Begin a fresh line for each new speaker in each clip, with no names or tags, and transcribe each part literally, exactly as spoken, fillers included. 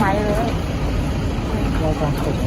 ไม้เลยรายการสด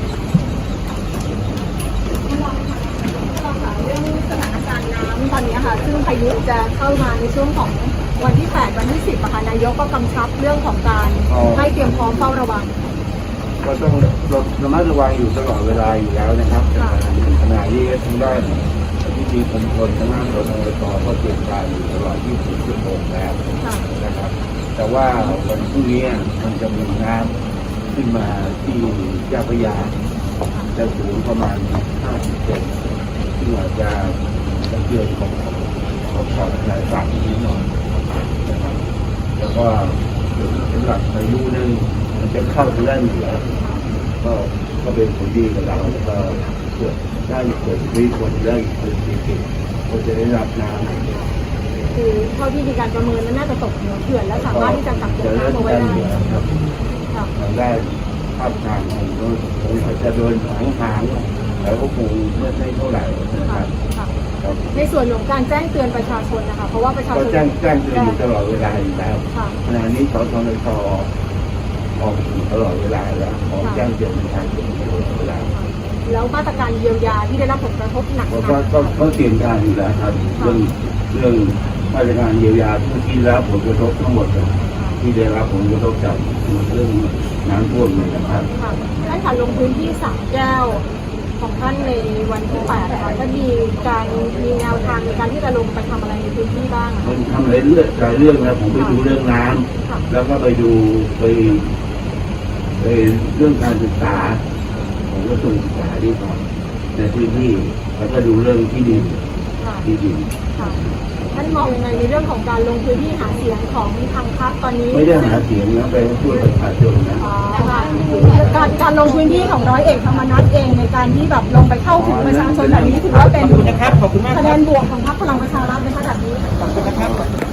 เรื่องสถานการณ์น้ำตอนนี้ค่ะซึ่งพายุจะเข้ามาในช่วงของวันที่แปดวันที่สิบค่ะนายกก็กำชับเรื่องของการให้เตรียมพร้อมเฝ้าระวัง
ก็ต้องระมัดระวังอยู่ตลอดเวลาอยู่แล้วนะครับขณะนี้ทางด้านที่มีคนคนทางด้านรถไฟต่อก็เตรียมการอยู่ตลอดยี่สิบสี่ชั่วโมงแล้วนะครับแต่ว่าวันพรุ่งนี้มันจะมีน้ำขึ้นมาที่เจ้าพระยาจะสูงประมาณห้าสิบเซนซึ่งอาจจะกระเทือนของของขอบทะเลฝั่งนิดหน่อยนะครับแล้วก็สำหรับพายุนั้นมันจะเข้าทางด้านเหนือก็ก็เป็นผลดีกับเราแล้วก็เกิดได้เกิดวิกฤตได้เกิดวิกฤตก็จะได้รับน้ำ
คือเท่าที่มีการประเมินนั้นน่าจะตกเหนือเขื่อนและสามารถที่จะกักเก็บน้ำเอาไว้ได้
ครับทางด้านภาคกลางของเราคงจะโดนหางหางแล้วก็คงไม่ใช่เท่าไหร่นะครับ
ในส่วนของการแจ้งเตือนประชาชนนะคะเพราะว่าประชาชน
ก็แจ้งแจ้งเตือนอยู่ตลอดเวลาอยู่แล้วขณะนี้สทนชออกตลอดเวลาแล้วขอแจ้งเตือนประชาชนตลอดเวลา
แล้วมาตรการเยียวยาที่ได้รับผลกระทบหนักๆ
ก็ก็ก็เตรียมการอยู่แล้วครับเรื่องเรื่องมาตรการเยียวยาที่ได้รับผลกระทบทั้งหมดที่ได้รับผลกระทบจากเรื่องน้ำท่วมนี่นะครับ
ท่านค่ะลงพื้นที่สามแก้วของท่านในวันที่แปดค่ะท่านมีการมีแนวทางในการที่จะลงไปทำอะไรในพื้นที่บ้าง
มันทำอะไรเรื่องหลายเรื่องนะผมไปดูเรื่องน้ำแล้วก็ไปดูไปไปเรื่องการศึกษาผมก็ส่งศึกษาที่ก่อนในพื้นที่แล้วก็ดูเรื่องที่ดินที่ดิน
ท่านมองยังไงในเรื่องของการลงพื้นที่หาเสียงของทางพรรคตอนนี้
ไม่ได้หาเสียงนะไปช่วยประชาชนนะ
การการลงพื้นที่ของร้อยเอกธรรมนัสเองในการที่แบบลงไปเข้าถึงประชาชนแบบนี้ถือว่าเป็นคะแนนบวกของพรรคพลังประชารัฐในขณะนี้ขอบคุณนะครับ